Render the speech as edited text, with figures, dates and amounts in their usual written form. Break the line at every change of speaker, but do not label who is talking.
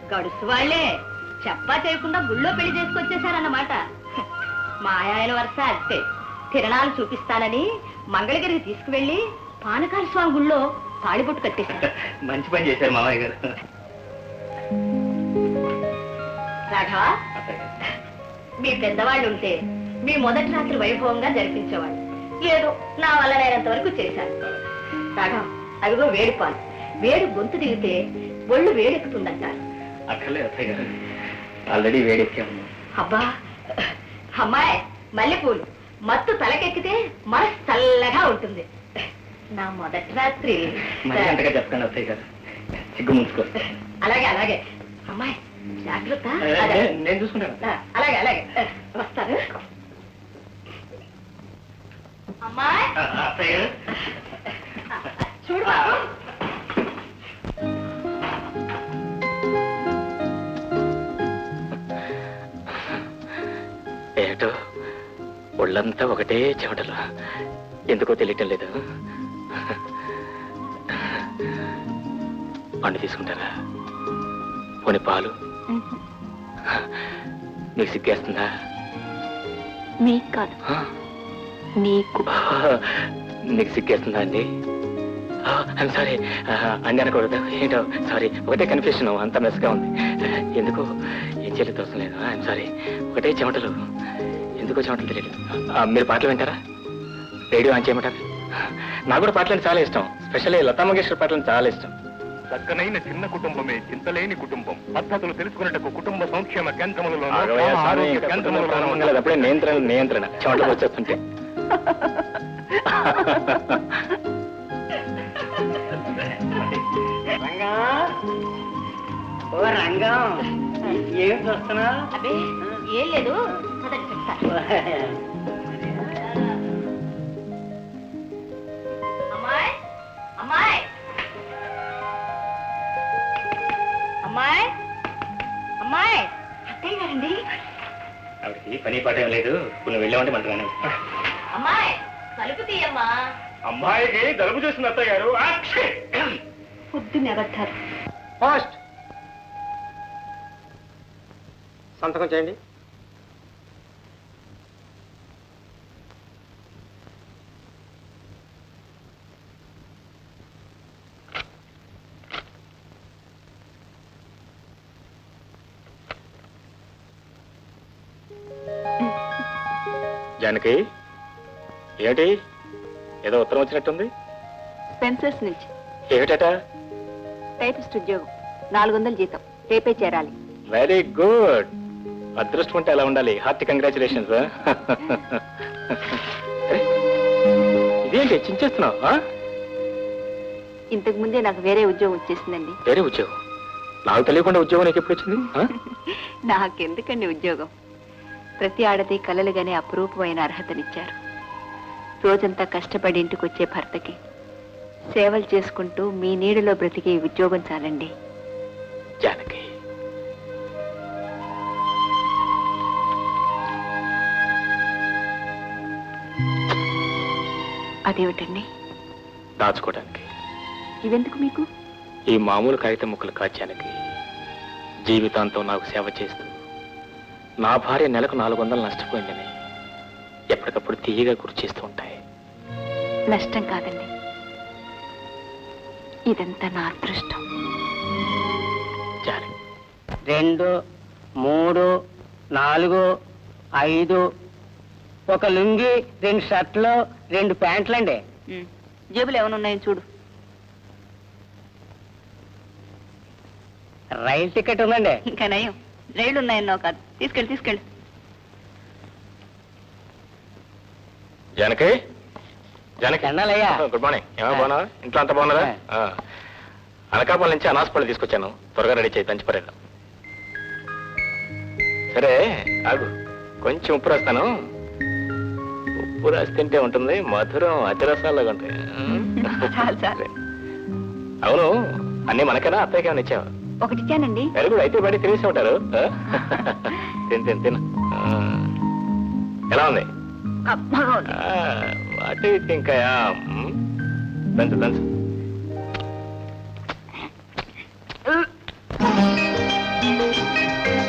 గడుసు వాళ్ళే చెప్పా చేయకుండా గుళ్ళో పెళ్లి చేసుకొచ్చేసారన్నమాట. మా ఆయన వరుస అంతే. తిరణాలు చూపిస్తానని మంగళగిరికి తీసుకువెళ్ళి పానకాల స్వామి గుళ్ళో తాళిబొట్టు కట్టేశారు.
మంచి పని చేశారు మామయ్య గారు.
రాఘవ, మీ పెద్దవాళ్ళు ఉంటే మీ మొదటి రాత్రి వైభవంగా జరిపించేవాళ్ళు. ఏదో నా వల్ల నేనంత వరకు చేశాను. రాఘవ, అదిగో వేడి పాలు. వేడి గొంతు దిగితే ఒళ్ళు వేడెక్కుతుందంటారు.
అక్కర్లేదు అత్తయ్య గారు, ఆల్రెడీ వేడెక్కాము.
అబ్బా అమ్మాయి, మల్లెపూలు మత్తు తలకెక్కితే మనసు చల్లగా ఉంటుంది. నా మొదటి రాత్రి
మరి అంతగా చెప్పండి అత్తయ్య గారు, సిగ్గు ముంచుకో.
అలాగే అలాగే అమ్మాయి, జాగ్రత్త.
నేను చూసుకుంటాను.
అలాగే అలాగే వస్తాను. అమ్మాయి
అత్తయ్య గారు,
చూడు బాబు.
ఏటో ఒళ్ళంతా ఒకటే చెమటలు, ఎందుకో తెలియటం లేదు. పండు తీసుకుంటారా? పోనీ పాలు? నీకు సిగ్గేస్తుందా?
మీకు కాదు, నీకు.
నీకు సిగ్గేస్తుందా అండి? ఐమ్ సారీ అండి అనకూడదు. ఏంటో సారీ, ఒకటే కన్ఫ్యూషన్, అంత మెస్గా ఉంది. ఎందుకో ఏం చేయలేదు, తోసం లేదు. ఐమ్ సారీ, ఒకటే చెమటలు, ఎందుకో చెమటలు తెలియదు. మీరు పాటలు వింటారా? రేడియో ఆన్ చేయమంటారా? నాకు కూడా పాటలు చాలా ఇష్టం, స్పెషల్లీ లతా మంగేష్కర్ పాటలు చాలా ఇష్టం.
చక్కనైన చిన్న కుటుంబమే చింతలేని కుటుంబం. పద్ధతులు తెలుసుకున్నట్టు కుటుంబ సంక్షేమ కేంద్రములలో
అప్పుడే నియంత్రణ చెమటలు వచ్చేస్తుంటే.
ఓ రంగం, ఏం చూస్తున్నా?
అదే ఏం లేదు, చెప్తాను. అమ్మాయి అమ్మాయి అమ్మాయి అమ్మాయి, అత్తయ్య గారండి.
ఆవిడకి పని పాట ఏం లేదు, నువ్వు వెళ్ళామంటే మంటగానే.
అమ్మాయి కలుపు తీయమ్మా.
అమ్మాయికి జలుబు చేసిన అత్తయ్య గారు.
పొద్దున్న ఎవరు
పోస్ట్ సంతకం చేయండి.
జానకి, ఏమిటి ఏదో ఉత్తరం వచ్చినట్టుంది?
స్పెన్సర్స్ నుంచి.
ఏమిటట?
టైపిస్ట్ ఉద్యోగం, 400 జీతం, రేపే చేరాలి.
Very good. అదృష్టం ఉంటే అలా ఉండాలి. Hearty congratulations. ఇదేంటి చించేస్తున్నావు?
ఇంతకు ముందే నాకు వేరే ఉద్యోగం వచ్చేసిందండి.
వేరే ఉద్యోగం? నాకు తెలియకుండా ఉద్యోగం నీకు ఎప్పుడు వచ్చింది?
నాకెందుకండి ఉద్యోగం? ప్రతి ఆడది కలలుగానే అపురూపమైన అర్హతనిచ్చారు. రోజంతా కష్టపడి ఇంటికి వచ్చే భర్తకి సేవలు చేసుకుంటూ మీ నీడలో బ్రతికే ఉద్యోగం చాలండి.
జానకి,
అదేమిటండి?
దాచుకోవడానికి.
ఇవెందుకు మీకు?
ఈ మామూలు కాగితం ముక్కలు కాచానికి జీవితాంతం నాకు సేవ చేస్తూ నా భార్య నెలకు 400 నష్టపోయిందని ఎప్పటికప్పుడు తీయగా గుర్తు చేస్తూ ఉంటాయి.
నష్టం కాదండి, ఇదంతా నా అదృష్టం.
2, 3, 4, 5, ఒక లుంగి, 2 షర్ట్లు, 2 ప్యాంట్లండి.
జేబులు ఏమైనా ఉన్నాయో చూడు.
రైలు టికెట్ ఉందండి.
ఇంకా నయం, రైళ్లు ఉన్నాయన్నావు కాదు. తీసుకెళ్ళి తీసుకెళ్ళి.
జానకి, జానకి,
అన్నయ్య.
Good morning. ఏమో బాగున్నావా? ఇంట్లో అంతా బాగున్నారా? అనకాపల్లి నుంచి అనాసపల్లి తీసుకొచ్చాను, త్వరగా రెడీ చేయి, దంచిపరేద్దాం. సరే ఆగు, కొంచెం ఉప్పు రాస్తాను. ఉప్పు రాసి తింటే ఉంటుంది, మధురం అతిరసాలాగా ఉంటాయి.
చాలు చాలు.
అవును, అన్నీ మనకేనా అత్తయ్యకి ఏమైనా ఇచ్చావా?
ఒకటిచ్చానండి.
వెరీ గుడ్, అయితే బయట తినేసి ఉంటారు. తిను తిను తిను. ఎలా ఉంది?
అబ్బా,
వాటి ఇంకా దంచు దంచు.